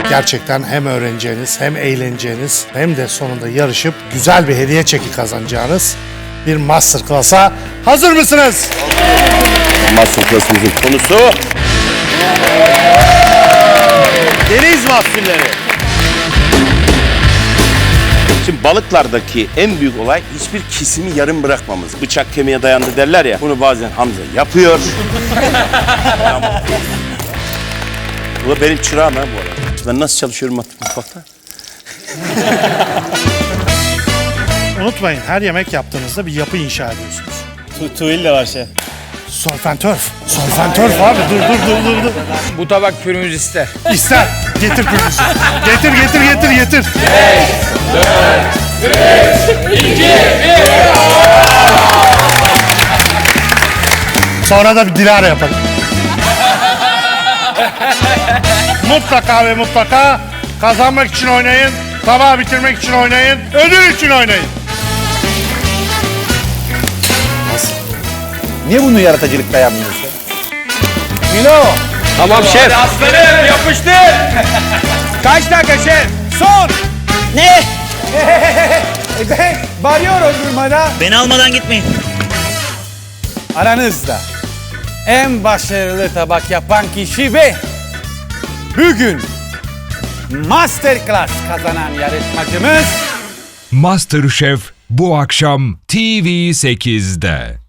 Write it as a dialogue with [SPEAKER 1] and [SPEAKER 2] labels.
[SPEAKER 1] Gerçekten hem öğreneceğiniz hem eğleneceğiniz hem de sonunda yarışıp güzel bir hediye çeki kazanacağınız bir masterclass'a hazır mısınız?
[SPEAKER 2] Masterclass'ımızın konusu deniz mahsulleri. Şimdi balıklardaki en büyük olay hiçbir kesimi yarım bırakmamız. Bıçak kemiğe dayandı derler ya. Bunu bazen Hamza yapıyor. Bu da benim çırağım ha bu arada. Ben nasıl çalışıyorum mutfakta?
[SPEAKER 1] Unutmayın, her yemek yaptığınızda bir yapı inşa ediyorsunuz.
[SPEAKER 3] Tuğil de var şef.
[SPEAKER 1] Solfentörf. Solfentörf abi, dur.
[SPEAKER 4] Bu tabak pürümüz ister.
[SPEAKER 1] İster. Getir pürüzü. Getir. Sonra da bir Dilara yapalım. Mutlaka ve mutlaka kazanmak için oynayın, tabağı bitirmek için oynayın, ödül için oynayın.
[SPEAKER 3] Niye bunu yaratıcılıkla yapmıyorsun?
[SPEAKER 4] Tamam şef. Aslanım yapıştır. Kaç dakika şef?
[SPEAKER 3] Son! Ne? Ben bağırıyorum durmadan.
[SPEAKER 5] Beni almadan gitmeyin.
[SPEAKER 3] Aranızda en başarılı tabak yapan kişi ve bugün Masterclass kazanan yarışmacımız
[SPEAKER 6] MasterChef bu akşam TV8'de.